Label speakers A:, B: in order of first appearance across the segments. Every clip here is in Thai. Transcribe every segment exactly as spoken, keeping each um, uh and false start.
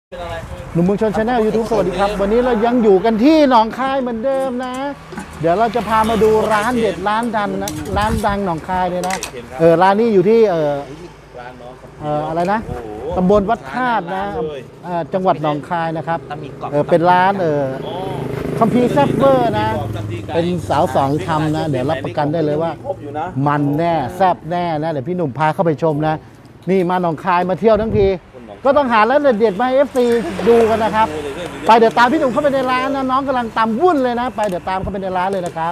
A: หนุ่มเมืองชนชาแนลยูทูบสวัสดีครับวันนี้เรายังอยู่กันที่หนองคายเหมือนเดิมนะเดี๋ยวเราจะพามาดูร้านเด็ดร้านดังนะร้านดังหนองคายเลยนะเออร้านนี้อยู่ที่เออเอออะไรนะตำบลวัดธาตุนะเออจังหวัดหนองคายนะครับเออเป็นร้านเออคัมภีร์แซ่บเวอร์นะเป็นสาวสองทำนะเดี๋ยวรับประกันได้เลยว่ามันแน่แซ่บแน่นะเดี๋ยวพี่หนุ่มพาเข้าไปชมนะนี่มาหนองคายมาเที่ยวทั้งทีก็ต้องหาร้านเด็ดๆมาให้ เอฟ ซี ดูกันนะครับไปเดี๋ยวตามพี่หนุ่มเข้าไปในร้านนะน้องกำลังตำวุ่นเลยนะไปเดี๋ยวตามเข้าไปในร้านเลยนะครับ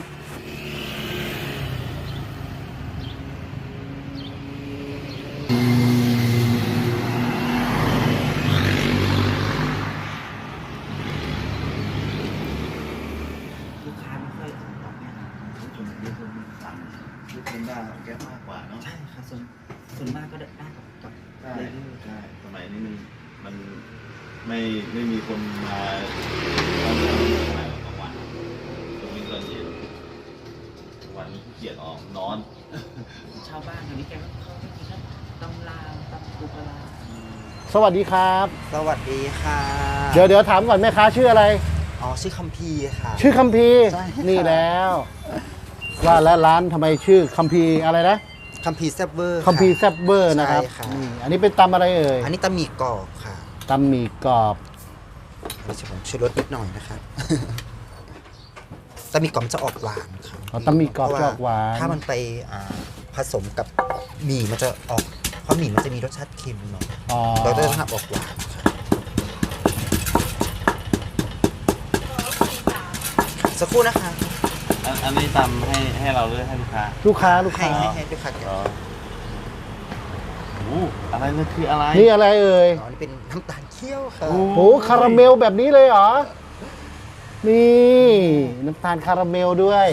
B: ลูกค้าไม่ค่อยตอบเนี่ยนะส่วนใหญ่คนสั่งลูกคนได้แก๊ปมากกว่าเนาะใช่ค่ะส่วนส่วนมากก็ได้ได้กับกับใช่ใช่สมัยนี้มันมันไม่ไม่มีคนมาตอนเช้าสมัยกลางวันตรงนี้ตอนเย็นวันนี้เกียดออกนอนชาวบ้านแถวนี้แกก็เขาไม่กินแล้วตำลาวตำปูปลา
A: สวัสดีครับ
C: สวัสดีค่ะ
A: เดี๋ยวเดี๋ยวถามก่อนแม่ค้าชื่ออะไร
C: อ๋อชื่อคัมภีร์ค่ะ
A: ชื่อคัมภีร์นี่แล้วว่าแล้วร้านทำไมชื่อคัมภีร์อะไรนะ
C: คัมภีร์แซ่บเวอร์
A: คัมภีร์แซ่บเวอร์นะครับอันนี้เป็นตำอะไรเอ่ย
C: อันนี้ตำหมี่กรอบค่ะ
A: ตำหมี่กรอบ
C: อันนี้ผมช่วยลดนิดหน่อยนะครับตำหมี่กรอบจะออกหวานครับ
A: อ๋อตำหมี่กรอบจะออกหวาน
C: ถ้ามันไปผสมกับหมี่มันจะออกเพราะหมี่มันจะมีรสชาติเค็มหน่อยเราจะทำออกหวานสักครู่นะคะ
B: อันนี้ทำให้ให้เราหรือให้ลูกค้า
A: ลูกค้าลูกค้า
C: ให้ให้ลูกค้าแก
B: โอ้อะไรนี่คืออะไร
A: นี่อะไรเอ่ย
C: อ๋อนี่เป็นน้ำตาลเคี่ยวค่ะ
A: โอ้โหคาราเมลแบบนี้เลยเหรอนี่น้ำตาลคาราเมลด้วย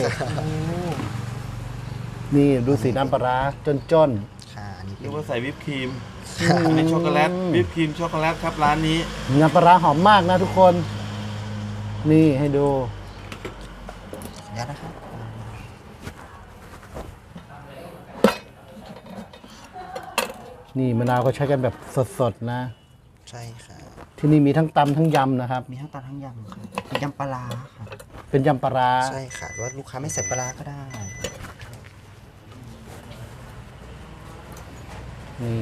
A: นี่ดูสีน้ำปลาจน
C: ๆค่ะอันนี้
B: เรียกว่าใส่วิปครีมเป็นช็อกโกแลตวิปครีมช็อกโกแลตครับร้านนี้
A: น้ำปลาหอมมากนะทุกคนนี่ให้ดู
C: เดี๋ยวนะครับ
A: นี่มะนาวก็ใช้กันแบบสดๆนะ
C: ใช่ค่ะ
A: ที่นี่มีทั้งตำทั้งยำนะครับ
C: มีทั้งตำทั้งยำค่ะเป็นยำปลาค่ะ
A: เป็นยำปลา
C: ใช่ค่ะว่าลูกค้าไม่ใส่ปลาก็ได้
A: นี่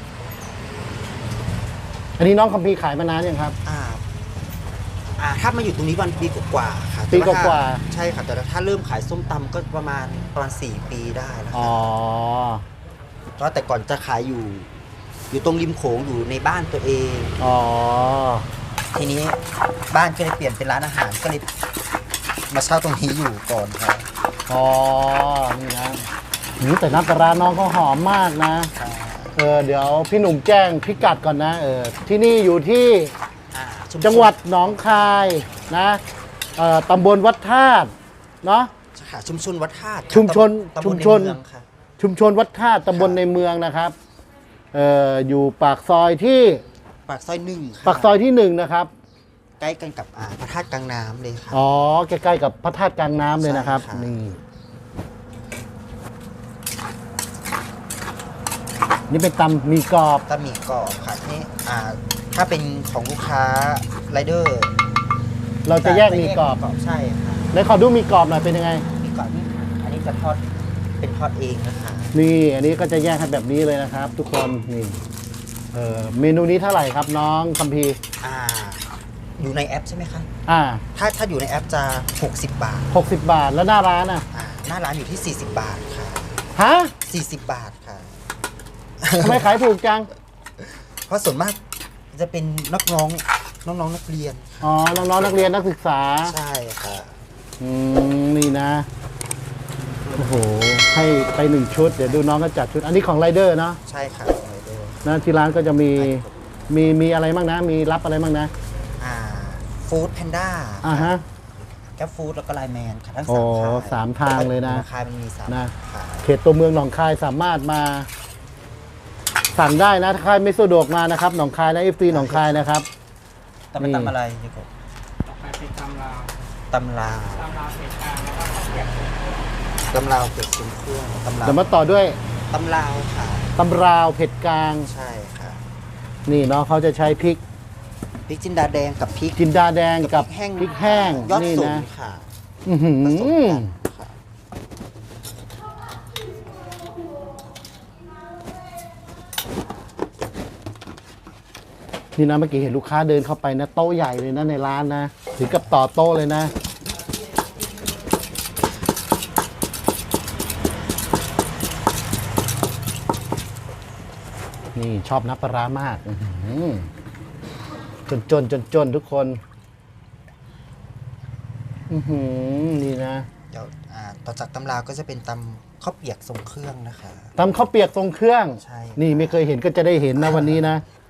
A: อันนี้น้องคัมภีร์ขายมานานยังครับ
C: อ่าอ่าถ้ามาอยู่ตรงนี้วันปีกว่าๆค่ะ
A: ปีกว่า
C: ใช่ค่ะแต่ถ้าเริ่มขายส้มตำก็ประมาณประมาณสี่ปีได้แล้ว
A: อ๋อ
C: เพราะแต่ก่อนจะขายอยู่อยู่ตรงริมโขงอยู่ในบ้านตัวเอง
A: อ๋อ
C: ทีนี้บ้านก็เลยเปลี่ยนเป็นร้านอาหารก็เลยมาเช่าตรงนี้อยู่ก่อนครับ
A: อ๋อนี่นะนี่แต่น้ำปลาน้องเขาหอมมากนะเออเดี๋ยวพี่หนุ่มแจ้งพิกัดก่อนนะเออที่นี่อยู่ที่จังหวัดหนองคายนะเอ่อตำบลวัดธาตุเนาะ
C: ค่ะชุมชนวัดธาตุ
A: ชุมชนชุมชนชุมชนวัดธาตุตำบลในเมืองนะครับเอ่ออยู่ปากซอยที่
C: ปากซอยหนึ่ง
A: ปากซอยที่หนึ่งนะครับ
C: ใกล้กันกับพระธาตุกลางน้ำเลยครับ
A: อ๋อใกล้ๆกับพระธาตุกลางน้ำเลยนะครับนี่นี่เป็นตำหมี่กรอบ
C: ตำหมี่กรอบค่ะนี่อ่าถ้าเป็นของลูกค้าไรเดอร์
A: เราจะแยกหมี่กรอบ
C: ใช่ค่ะ
A: แล้วขอดูหมี่กรอบหน่อยเป็นยังไง
C: หมี่กรอบนี่ค่ะอันนี้จะทอดเป็นทอดเองนะคะ
A: นี่อันนี้ก็จะแยกให้แบบนี้เลยนะครับ ทุกคนนี่เออเมนูนี้เท่าไหร่ครับน้องคัมภีร์
C: อ่าอยู่ในแอปใช่ไหมคะ
A: อ่า
C: ถ้าถ้าอยู่ในแอปจะหกสิบบาท
A: หกสิบบาทแล้วหน้าร้านอ่ะ
C: อ่าหน้าร้านอยู่ที่สี่สิบบาทค่ะ
A: ฮะ
C: สี่สิบบาทค่ะ
A: ทำไมขายถูกจัง
C: เพราะส่วนมากจะเป็นนักน้องน้องน้องนักเรียน
A: อ๋อน้องน้องนักเรียนนักศึกษา
C: ใช่ค่ะ
A: อืมนี่นะโอ้โหให้ไปหนึ่งชุดเดี๋ยวดูน้องก็จัดชุดอันนี้ของไรเดอร์เนาะ
C: ใช่ค่ะไรเดอร์
A: นะที่ร้านก็จะมีมีมีอะไรบ้างนะมีรับอะไรบ้างนะ
C: อ่าฟู้ดแพนด้า
A: อ่าฮะ
C: แกฟู้ดแล้วก็ไลน์แมนค่ะทั้ง
A: สามทางสามทางเลยนะ
C: คายมันมีสาม
A: นะเขตตัวเมืองหนองคายสามารถมาสั่งได้นะถ้าใครไม่สะดวกมานะครับหนองคายและเอฟซีหนองคายนะครับ
C: ตำเป็นตำอะไรนี่ก็
D: เป็นตำลาว
C: ตำลาว
D: ตำลาวเผ็ดกลางแล้วก็ข้าวเกรี๊ยว
C: ตำลาวเผ็ดเครื่องตำลาว
A: เดี๋ยวมาต่อด้วย
C: ตำลาวค่ะ
A: ตำราวเผ็ดกลาง
C: ใช่ค่ะ
A: นี่เนาะเขาจะใช้พริก
C: พริกจินดาแดงกับพริก
A: จินดาแดงกับ
C: พริกแห้ง
A: พริกแห้ง
C: ยอด
A: นี่
C: สูง
A: นะ
C: ค่ะ
A: อื้อหือ
C: ผสมกันค่ะ
A: นี่นะเมื่อกี้เห็นลูกค้าเดินเข้าไปนะโต๊ะใหญ่เลยนะในร้านนะถึงกับต่อโต๊ะเลยนะนี่ชอบน้ำปลาร้ามากอื้อหือจนจนจนจนทุกคนอือหือนี่นะ
C: เดี๋ยวอ่าต่อจากตำราก็จะเป็นตำข้าวเปียกทรงเครื่องนะคะ
A: ตำข้าวเปียกทรงเครื่อง
C: ใช่
A: นี่ไม่เคยเห็นก็จะได้เห็นนะวันนี้นะ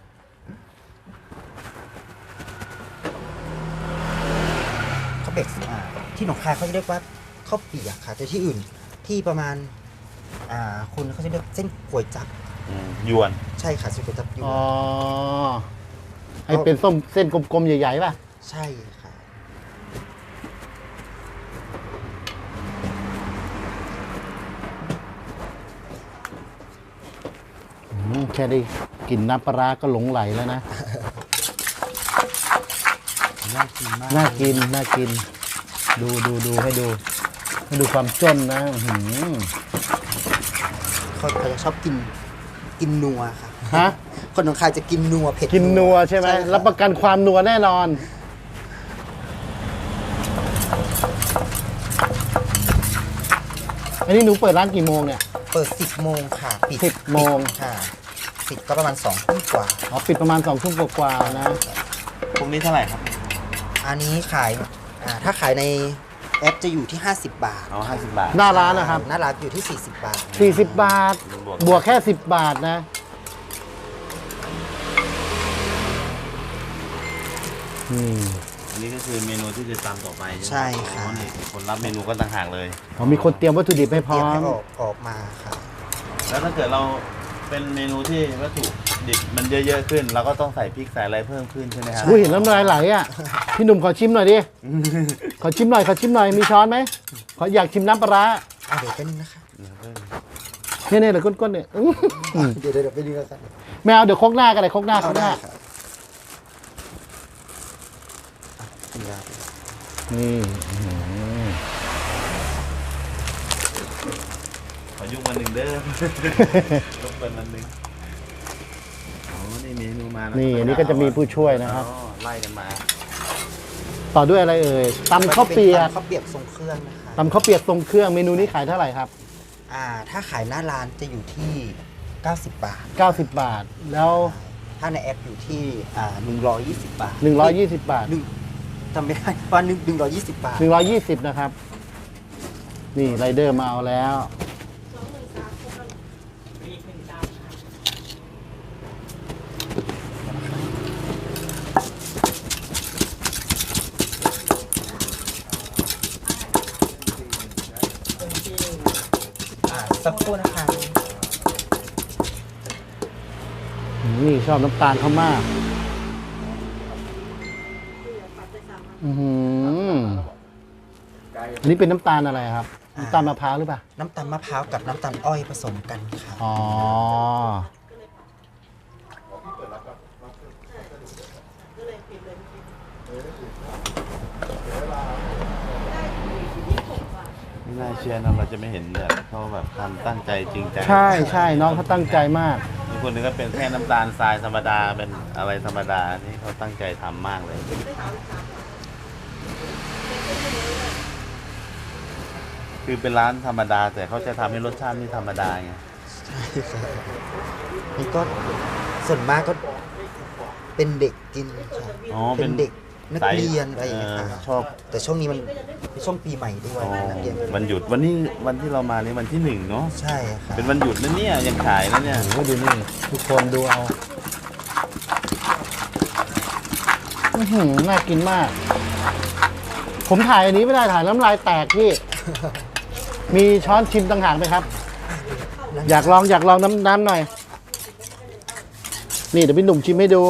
C: ข้าวเปียกอ่าที่หนองคายเขาจะเรียกว่าข้าวเปียกค่ะแต่ที่อื่นที่ประมาณอ่าคุณเขาจะเรียกเส้นก๋วยจับ
B: ยวน
C: ใช่ค่ะเส้นก๋วยจับยวน
A: อ๋อให้เป็นส้มเส้นกลมๆใหญ่ๆป่ะ
C: ใช่ค่ะ
A: อืมแค่ได้กลิ่นน้ำปลาร้าก็หลงไหลแล้วนะ
C: น่ากินมาก
A: น่ากิน น่ากิน ดูดูดูให้ดู ให้ดูความจ้นนะอื้อหือ
C: คนเขาจะชอบกินกินนัวค่ะ
A: ฮะ
C: คนหนองคายจะกินนัวเผ็ด
A: กินนัวใช่ไหม
C: ค่ะ
A: รับประกันความนัวแน่นอน อันนี้หนูเปิดร้านกี่โมงเนี่ย
C: เปิดสิบโมงค่ะปิด
A: สิบโมง
C: ค่ะปิดก็ประมาณสองทุ่มกว่า
A: อ๋อปิดประมาณสองทุ่มกว่าๆนะ
B: พวกนี้เท่าไหร่ครับ
C: อันนี้ขายอ่าถ้าขายในแอปจะอยู่ที่ห้าสิบบาท
B: อ๋อห้าสิบบาท
A: หน้าร้านนะครับ
C: หน้าร้านอยู่ที่สี่สิบบาท
A: สี่สิบบาท บวกแค่สิบบาทนะ อืม
B: อันนี้ก็คือเมนูที่จะตามต่อไป
C: ใช่ค่ะ
B: อ๋อนี่คนรับเมนูก็ต่างหากเลย
A: เขามีคนเตรียมวัตถุดิบให้พ
C: เตรี
A: ร้
C: ย
A: อ
C: มให้
A: ม
C: ออกออกมาค่ะ
B: แล้วถ้าเกิดเราเป็นเมนูที่วัตถุดิบมันเยอะๆขึ้น เราก็ต้องใส่พริกใส่อะไรเพิ่มขึ้นใช่ไหมครับ
A: อุ้ยเห็นน้ำลายไหลอ่ะ พี่หนุ่มขอชิมหน่อยดิ ขอชิมหน่อย ขอชิมหน่อย มีช้อนไหม ขออยากชิมน้ำปลาร้า
C: อ่ะเดี๋ยวเป็นงนะคะ
A: เนี่ยเนี่ยเดี๋ยวก้นๆเนี่ยอื้อหือ
C: เดี๋ยวเดี๋ยวเดี๋ยวไปดูกัน
A: ไม่เอาเดี๋ยวครกหน้ากันเลยครกหน้าคร
C: เอา
A: กห
C: ได้
A: น้า
C: ค่ะกินได้
A: นี่อื้อหือ
B: ขอยุกวันหนึ่งเด้อ ยุกวันหนึ่งอ๋อนี่เมนูมาแล้ว
A: นี่อันนี้ก็จะมีผู้ช่วยนะครับ
B: อ๋อไล่กันมา
A: ต่อด้วยอะไรเอ่ยตำข้าวเปียก
C: ข้าวเปียกทรงเครื่องนะคะ
A: ตำข้าวเปียกทรงเครื่องเมนูนี้ขายเท่าไหร่ครับ
C: อ่าถ้าขายหน้าร้านจะอยู่ที่เก้าสิบบาท
A: เก้าสิบบาท แล้ว
C: ถ้าในแอปอยู่ที่อ่าหนึ่งร้อยยี่สิบบาท
A: หนึ่งร้อยยี่สิบบาท
C: หนึ่งจำไม่ได้ว่าหนึ่งหนึ่งร้อยยี่สิบบาท
A: หนึ่งร้อยยี่สิบนะครับ นี่ไรเดอร์มาเอาแล้ว
C: อ่าสักครู่นะคะ
A: นี่ชอบน้ำตาลเขามาก อือหืออันนี้เป็นน้ำตาลอะไรครับ น้ำตาลมะพร้าวหรือเปล่า
C: น้ำตาลมะพร้าวกับน้ำตาลอ้อยผสมกันค่ะ
A: อ๋อ
B: ไม่น่าเชื่อนะเราจะไม่เห็นแบบเขาแบบทำตั้งใจจริงจัง
A: ใช่ใช่น้องเขาตั้งใจมาก
B: บางคนนึงก็เป็นแค่น้ำตาลทรายธรรมดาเป็นอะไรธรรมดานี่เขาตั้งใจทำมากเลย คือเป็นร้านธรรมดา แต่เขาจะทำให้รสชาติไม่ธรรมดาไง
C: ใช่ค่ะนี่ก็ส่วนมากก็เป็นเด็กกินค่ะ
B: อ๋อ
C: เป็นเด็กนัก
B: ใส่
C: เรียนอะไรอย่างเงี้ย
B: เอ
C: ค่ะ
B: อชอบ
C: แต่ช่วงนี้มันเป็นช่วงปีใหม่ด้วย
B: อ๋อ
C: นักเรียน
B: วันหยุดวันนี้วันที่เรามานี่วันที่หนึ่งเนาะ
C: ใช่ค่ะ
B: เป็นวันหยุดนะเนี่ยยังขายนะเนี่ย
A: โอ้โหดูนี่ ทุกคนดูเอา อื้อหือน่ากินมาก ผมถ่ายอันนี้ไม่ได้ถ่ายน้ำลายแตกพี่ มีช้อนชิมต่างหากไหมครับ อยากลองอยากลองน้ำน้ำหน่อย นี่เดี๋ยวพี่หนุ่มชิมให้ดู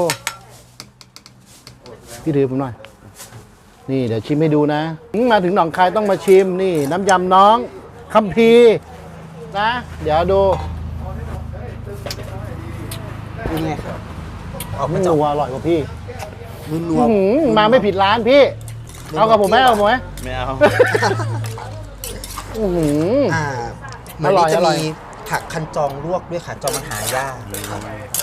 A: พี่ถือผมหน่อย นี่เดี๋ยวชิมให้ดูนะอืมมาถึงหนองคายต้องมาชิมนี่ น้ำยำน้องคัมภีร์นะ เดี๋ยวดู
C: เป็นไงครับออก
A: ไม่
C: มา
A: ห
C: จาก
A: นูอร่อยกว่าพี่
C: นัว
A: อื้อหือมาไม่ผิดร้านพี่ เอากับผมไหมเอากับผมไหม
B: ไม่เอา
A: อื้อหือ
C: อ่าเหมือน
A: อร่อย
C: นี่จะ
A: อร่อย
C: มีผักคันจองลวกด้วยค่ะจองมันหายากครับ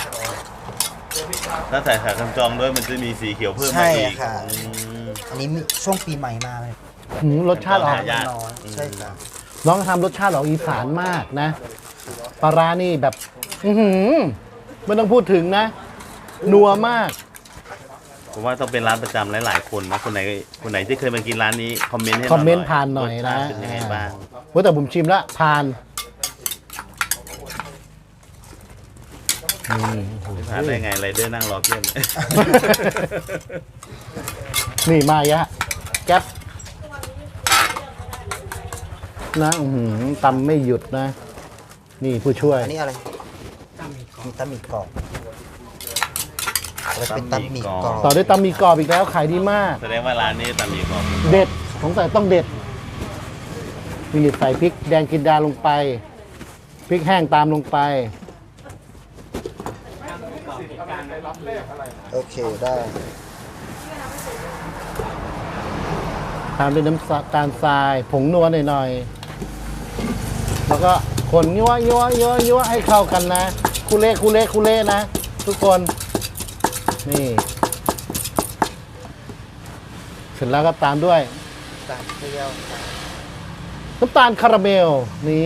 B: ถ้าใส่ขาคันจองด้วยมันจะมีสีเขียวเพิ่ม
C: ใช่
B: มาอีก
C: ค่ะ
B: อืม
C: อันนี้มีช่วงปีใหม่มาเลย
A: หืมรสชาติออก
B: หายาก
C: น้อยใช่ค่ะ
A: น้องทำรสชาติออกอีสานมากนะปลาร้านี่แบบ อือหือไม่ต้องพูดถึงนะ นัวมาก
B: ผมว่าต้องเป็นร้านประจำหลายๆคนนะคนไหนคนไหนที่เคยมากินร้านนี้คอมเมนต์ให้
A: คอมเมนต์ผ่านหน่อยนะ
B: รสชาติเป็นยังไงบ้าง
A: ว่าแต่ผมชิมแล้วผ่านนี่โอ้โห
B: ผ่านได้ไงไรเดอร์นั่งรอเพื่อน
A: นี่มายะ แก๊ปนะอือหือตำไม่หยุดนะ นี่ผู้ช่วย
C: อันนี้อะไรมีตำหมี่กรอบเราจะเป็นตำหมี่กรอบ
A: ต่อด้วยตำหมี่กรอบอีกแล้วขายดีมาก
B: แสดงว่าร้านนี้ตำหมี่กรอบ
A: เด็ดสงสัยต้องเด็ดนี่ใส่พริกแดงกินดาลงไป พริกแห้งตามลงไป
C: โอเคได้
A: ตามด้วยน้ำตาลทราย ผงนัวหน่อยๆ แล้วก็คนยั่วยั่วยั่วยั่วให้เข้ากันนะ คุเล่คุเล่คุเล่นะ ทุกคน นี่ เสร็จแล้วก็ตามด้วย
C: ตามเปรี้ยวค่ะ
A: น้ำตาลคาราเมล นี่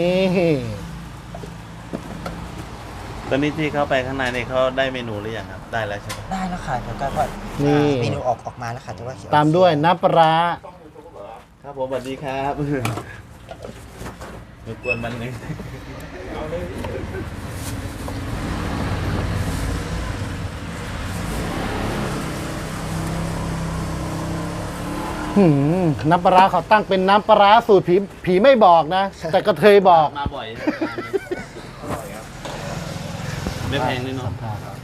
B: ตอนนี้ที่เข้าไปข้างในเนี่ยเขาได้เมนูหรือยังครับ ได้แล้วใช่ไหม
C: ได้แล้วค่ะเดี๋ยวก็ว่า
A: นี่
C: เมนูออกออกมาแล้วค่ะแต่ว่าเขีน
A: ตามด้วยน้ำปลาร้า
B: ครับผมสวัสดีครับรบกวนมันหนึง
A: หืมน้ำปลาร้าเขาตั้งเป็นน้ำปลาร้าสูตรผีผีไม่บอกนะ แต่กระเทยบอก
B: มาบ่อยไม่แพงด้วยเนาะ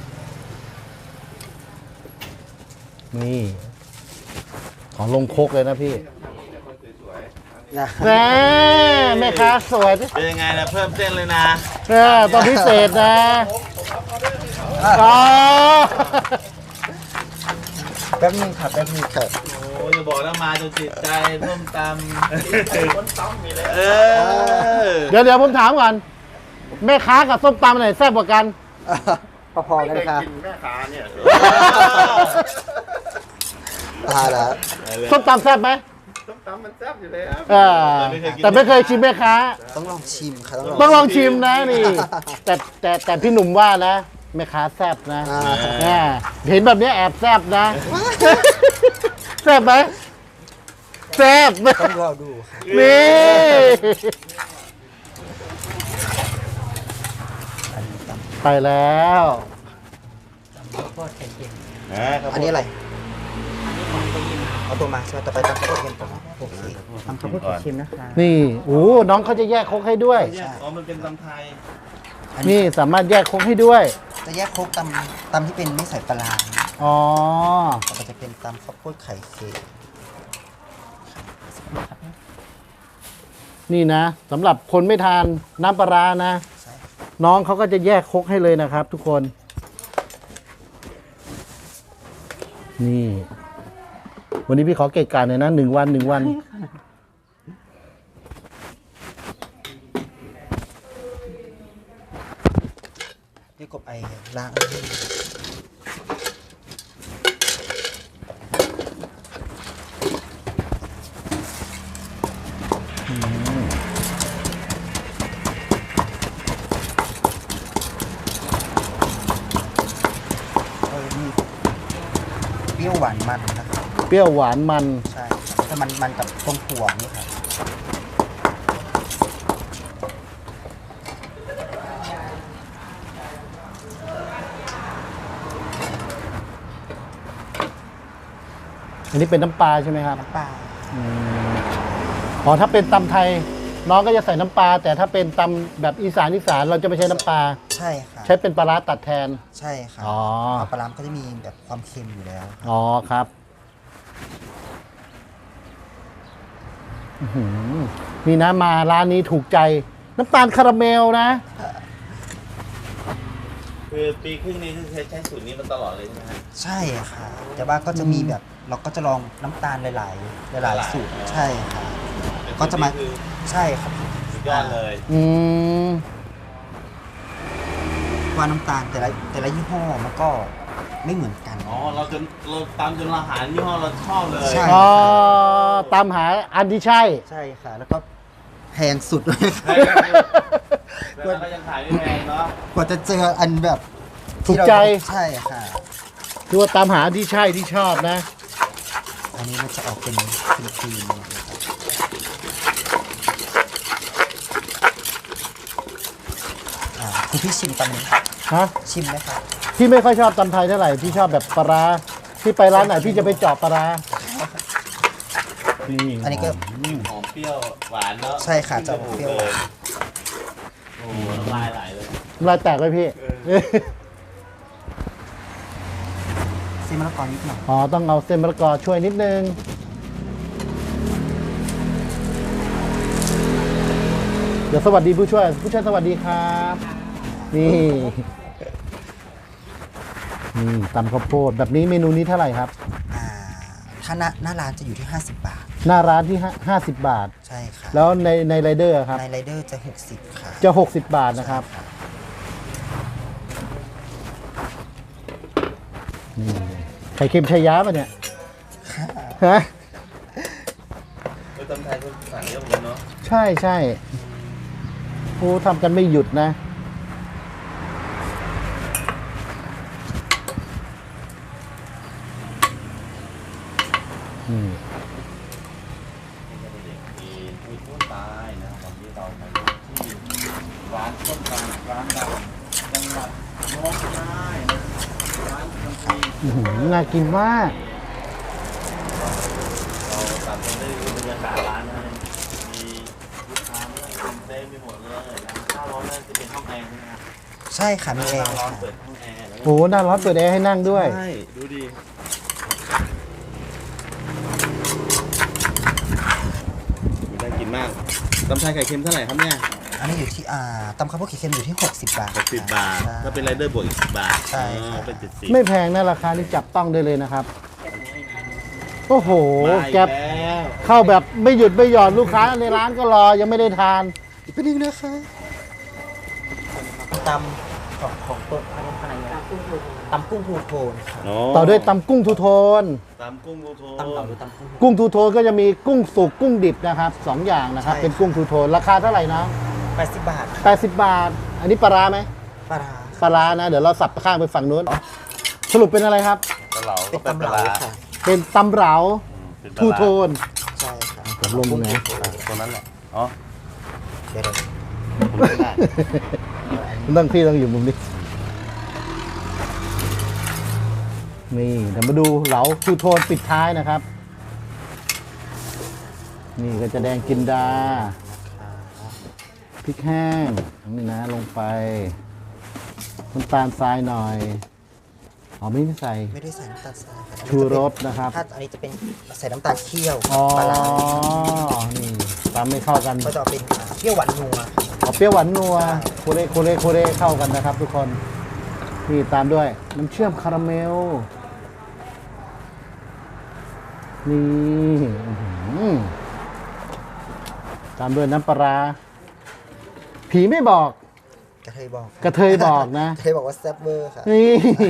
A: นี่ ของลงครกเลยนะพี่
C: นะ
A: แม่แม่ค้าสวย
B: เป็นยังไงนะเพิ่มเส้นเลยนะ
A: เออตอนพิเศษนะอ๋อ
C: แป๊บนึงค่ะแป๊บนึงค่ะ
B: โอ้ยอย่าบอกนะมาจนจิตใจร่วมตำคนต้มมีเลยเออ
A: เดี๋ยวเดี๋ยวผมถามก่อน แม่ค้ากับส้มตำอันไหนแซ่บกว่ากัน
C: พอๆกันค่ะ
B: แม่ค้าเนี่ย
C: ตายแล้ว
A: ส้มตำแซ่บไหม
B: ต้มตำมันแซ่บอยู่เลยครับ
A: เออแต่ไม่เคยชิมแม่ค้า
C: ต้องลองชิมค่ะ
A: ต้องลองชิมนะนี่ แต่แต่แต่พี่หนุ่มว่านะแม่ค้าแซ่บนะ
C: อ่า
A: อ่าเห็นแบบนี้แอบแซ่บนะ แซ่บไหมแซ่บ
C: ต้องรอดูค่ะ
A: นี่ ไปแล้ว
C: อันนี้อะไรเอาตัวมาใช่ไหมต่อไปตำข้าวโพดเค็มก่อนโอเคตำข้าวโพดเค็มนะคะ
A: นี่โอ้น้องเขาจะแยกครกให้ด้วย
B: ใช่อ๋อมันเป็นตำไทย
A: นี่สามารถแยกครกให้ด้วย
C: จะแยกโครกตำตำที่เป็นไม่ใส่ปลาร้า
A: อ๋อ
C: ต่อไปจะเป็นตำข้าวโพดไข่เค็ม
A: นี่นะสำหรับคนไม่ทานน้ำปลาร้านะ
C: ใช่
A: น้องเขาก็จะแยกครกให้เลยนะครับ ทุกคน นี่ วันนี้พี่ขอเกะกะหน่อยนะหนึ่งวันหนึ่งวัน
C: พี่กบไอล้าง เออมีเปรี้ยวหวานมันนะครับ
A: เปรี้ยวหวานมัน
C: ใช่แต่มันมันกับตรงถั่วนี่ครับ
A: อันนี้เป็นน้ำปลาใช่ไหมครับ
C: น้ำปลา
A: อืมอ๋อถ้าเป็นตำไทย น้องก็จะใส่น้ำปลา แต่ถ้าเป็นตำแบบอีสานอีสานเราจะไม่ใช้น้ำปลา
C: ใช่ค่ะ
A: ใช้เป็นปลาร้าตัดแทน
C: ใช่ค่ะ
A: อ๋อ
C: เอาปลาร้ามันก็จะมีแบบความเค็มอยู่แล้วครับ
A: อ๋อครับอื้อหือนี่นะมาร้านนี้ถูกใจ น้ำตาลคาราเมลนะ
B: คือปีครึ่งนี้คือใช้ใช้สูตรนี้มาตลอดเลยใช่ไหมฮะ
C: ใช่ค่ะ แต่ว่าก็จะมีแบบเราก็จะลองน้ำตาลหลายๆหลายๆสูตรใช่ค่ะ ก็จะมา
B: คือ
C: ใช่ครับ
B: สุดยอดเลย
A: อืม
C: ว่าน้ำตาลแต่ละแต่ละยี่ห้อมันก็ไม่เหมือนกัน
B: อ๋อเราจนเราตามจนเราหายี่ห้อเราชอบเลย
C: ใช่
A: อ๋อตามหาอันที่ใช่
C: ใช่ค่ะ แล้วก็แพงสุดเลยค่ะ
B: แล้วก็ยังขายไม่แพงเนาะ
C: กว่าจะเจออันแบบ
A: ถูกใจ
C: ใช่ค่ะ
A: คือว่าตามหาอันที่ใช่ที่ชอบนะ
C: อันนี้มันจะออกเป็นครีมๆนะครับอ่าคุณพี่ชิมตำนี้
A: ฮะ
C: ชิมไหมครับ
A: พี่ไม่ค่อยชอบตำไทยเท่าไหร่ พี่ชอบแบบปลาร้าพี่ไปร้านไหนพี่จะไปเจาะปลาร้านี่
C: อันนี้ก็
B: หอมเปรี้ยวหวานเนาะ
C: ใช่ค่ะจะออกเปรี้ยวหวาน
B: โอ้โหน้ำลายไหลเลย
A: ลายแตกเลยพี่
C: เส้นมะละกอนิดหน่อย
A: อ๋อ ต้องเอาเส้นมะละกอช่วยนิดนึง เดี๋ยวสวัสดีผู้ช่วย ผู้ช่วยสวัสดีครับ นี่ นี่ตำข้าวโพดแบบนี้เมนูนี้เท่าไหร่ครับ
C: อ่าถ้าหน้าหน้าร้านจะอยู่ที่ ห้าสิบบาท
A: หน้าร้านที่ห้าสิบบาท
C: ใช่ค่ะ
A: แล้วในในไรเดอร์ครับ
C: ในไรเดอร์จะ หกสิบค่ะ
A: จะหกสิบบาทนะครับ นี่ไข่เค็มชายาป่ะเนี่ย ฮะ
B: เออตำไทยก็สั่งเยอะเหมือนกันเนาะ
A: ใช่ใช่โอ้ทำกันไม่หยุดนะ อืม
B: มีมีผู้ตายนะวันนี้เรามาอยู่ที่ร้านต้นตาลร้านดังจังหวัดน้องคายนะร้านคนจีน
A: อื้อหือน่ากินมาก
B: เราตัดไปได้ดูบรรยากาศร้านนะมีลูกค้ามานั่งกินเต็มไปหมดเลยนะถ้าร้อนนั่นจะเป็นห้องแอร์ใช่ไหมครับ
C: ใช่ค่ะมีแอ
B: หน้า
C: ร์
B: ร้อน
C: ค่ะ
B: เปิดห้องแอร์แล้วก็
A: โอ้หน้าร้อนเปิดแอร์ให้นั่งด้วย
B: ใช่ดูดิน่ากินมากตำไทยไข่เค็มเท่าไหร่ครับเนี่ย
C: อันนี้อยู่ที่อ่าตำข้าวโพดไข่เค็มอยู่ที่ หกสิบบาท
B: หกสิบบาท
C: ใช่
B: ถ้าเป็นไรเดอร์บวกอีกสิบบาท
C: ใช่ครับ
B: อ๋อเป็นเจ็ดสิบ
A: ไม่แพงนะราคานี่จับต้องได้เลยนะครับ โอ้โห
B: มาอี
A: แก๊ป
B: แล้ว
A: เข้าแบบไม่หยุดไม่หย่อนลูกค้าในร้านก็รอยังไม่ได้ทาน
C: อีกเป็นนึงนะคะตำของของตัวอันนี้อะไรเนี่ยตำกุ้งทูโทนค่ะ
A: ต่อด้วยตำกุ้งทูโทน
B: ตำกุ้งโกโท
C: ตำเต่าหรือตำกุ้ง
A: กุ้งทูโทนก็จะมีกุ้งสุกกุ้งดิบนะครับสองอย่างนะครับ
C: ใช่
A: เป็นกุ้งทูโทนราคาเท่าไหร่นะ
C: แปดสิบบาท
A: แปดสิบบาท อันนี้ปลาร้าไหม
C: ปลาร้า
A: ปลาร้านะ เดี๋ยวเราสับข้างไปฝั่งนู้น สรุปเป็นอะไรครับ
B: ปลาเหลา
C: เป็นตำเหลาค่ะ
A: เป็นตำเหลา
B: เป็นปลา
A: ทูโทน
C: ใช่ค่ะ
A: ผมลงตรงไหน
B: ตัวนั้นแหละ อ๋อ
C: เดี๋ยวเดี๋ยว
B: ผมไม่ได้
A: ต้องพี่ต้องอยู่มุมนี้ นี่เดี๋ยวมาดูเหลาทูโทนปิดท้ายนะครับ นี่ก็จะแดงกินดา พริกแห้งนี่นะลงไปน้ำตาลทรายหน่อยอ๋อไม่ได้ใส่
C: ไม่ได้ใส่น้ำตาลทรายค่ะ
A: ชูรสนะครับ
C: ถ้าอันนี้จะเป็นใส่น้ำตาลเคี่ยว
A: อ๋อ
C: ปลาร้า
A: นี่ตามไม่เข้ากัน
C: ก็จะเอาเป็นอ่าเปรี้ยวหวานนัว
A: เอาเปรี้ยวหวานนัวโคเรโคเรโคเรเข้ากันนะครับทุกคน นี่ตามด้วยน้ำเชื่อมคาราเมล นี่อื้อหือตามด้วยน้ำปลาร้าผีไม่บอก
C: กระเทยบอกค่
A: กระเทยบอกนะ
C: กระเทยบอกว่าแซ่บเวอร์ค่ะ
A: นี่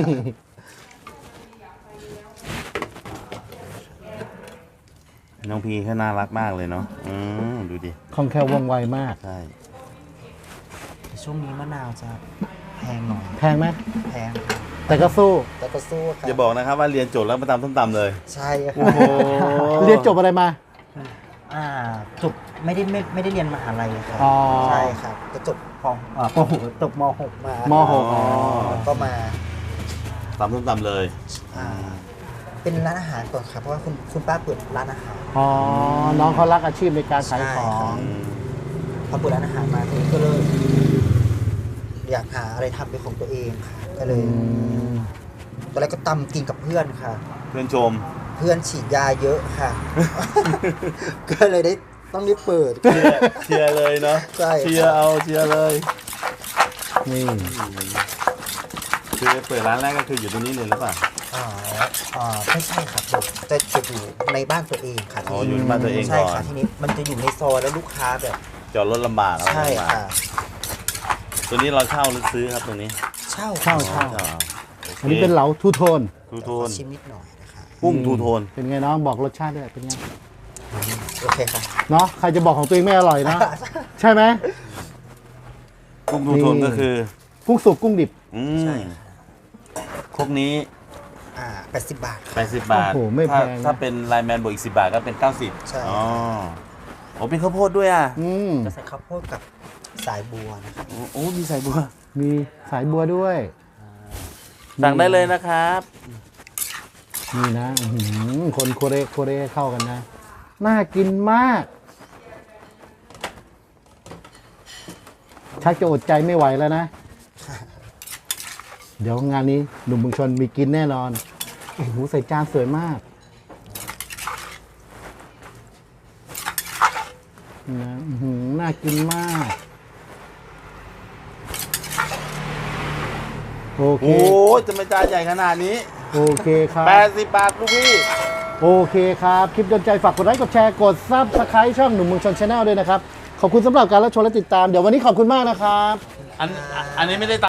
B: น้องพีเขาน่ารักมากเลยเนาะ อืมดูดิ
A: คล่องแคล่วว่องไวมาก
B: ใช่
C: แต่ช่วงนี้มะนาวจะแพงหน่อย
A: แพงไหม
C: แพงค่ะ
A: แต่ก็สู้
C: แต่ก็สู้ค่ะ
B: อย่าบอกนะครับว่าเรียนจบแล้วมาตำส้มตำเลย
C: ใช่ค่ะ
B: โอ้โห
A: เรียนจบอะไรมา
C: อ่าจบไม่ได้ไม่ไม่ได้เรียนมหาลัยค่ะ
A: อ๋อ
C: ใช่ครับก็จบปอ่าปหกจบมหกมาม
A: มหก
B: อ๋อ
C: ก็มา
B: ตำส้มตำเลย
C: อ่าเป็นร้านอาหารก่อนครับเพราะว่าคุณคุณป้าเปิดร้านอาหาร
A: อ๋อ น้องเขารักอาชีพในการขายของ
B: อืม
C: พอเปิดร้านอาหารมาทีนี้ก็เลยอยากหาอะไรทำเป็นของตัวเองค่ะก็เลย
A: อืม
C: ตอนแรกก็ตำกินกับเพื่อนค่ะ
B: เพื่อนชม
C: เพื่อนฉีดยาเยอะค่ะ ก็เลยได้ต้องได้เปิด
B: เชียร์เชียร์เลยเนาะ
C: ใช่
B: เชียร์เอาเชียร์เลย
A: นี่
B: คือเปิดร้านแรกก็คืออยู่ตรงนี้เลยหรือเปล่า
C: อ่าอ่าไม่ใช่ครับจะจะอยู่ในบ้านตัวเองค่ะ
B: อ๋ออยู่ในบ้านตัวเอง
C: ใช่
B: ก่อน
C: ค่ะทีนี้มันจะอยู่ในซอยแล้วลูกค้าแบบ
B: จอดรถลำบากอะไร
C: ใช่
B: ลำบาก
C: ค่ะ
B: ตัวนี้เราเช่าหรือซื้อครับตัวนี้
C: เช่า
A: เช่า
C: ค่ะ
A: เช่า
B: โอเค
A: อันนี้เป็นเหลาทูโทน
B: ทูโท
C: ขอน ชิมนิดหน่อยนะคะ
B: กุ้งทูโทน
A: เป็นไงน้องบอกรสชาติด้วยเป็นไง
C: โอเคค่ะ
A: เนาะใครจะบอกของตัวเองไม่อร่อยนะ ใช่ไหม
B: กุ้งทูโทน
A: นี่
B: ก็คือ
A: กุ้งสุกกุ้งดิบ
B: อื
C: ใช่
B: มครกนี้
C: อ่าแปดสิบบาท
B: แปดสิบบาท
A: โอ้โหไม่แพ
B: ถ้าง
A: นะ
B: ถ้าเป็นไลน์แมนบวกอีกสิบบาทก็เป็นเก้าสิบ
C: ใช่
B: อ๋อโอ้เป็นข้าวโพดด้วยอ่ะ
A: อืม
C: จะใส่ข้าวโพดกับสายบัวนะครับ
B: โอ้โอ้มีใส่บัว
A: มีสายบัวด้วย
B: สั่งได้เลยนะครับ
A: นี่นะอื้อหือคนโคเรโคเรเข้ากันนะ น่ากินมาก ชักจะอดใจไม่ไหวแล้วนะ เดี๋ยวงานนี้หนุ่มเมืองชนมีกินแน่นอน โอ้โหใส่จานสวยมากนะอื้อหือน่ากินมาก โอเค
B: โอ้จะไม่จานใหญ่ขนาดนี้
A: โอเคครับ
B: แปดสิบบาทลูกพี่
A: โอเคครับ คลิปโดนใจฝากกดไลค์กดแชร์กดซับสไครต์ช่องหนุ่มเมืองชนชาแนลด้วยนะครับ ขอบคุณสำหรับการรับชมและติดตาม เดี๋ยววันนี้ขอบคุณมากนะครับ
B: อันอันนี้ไม่ได้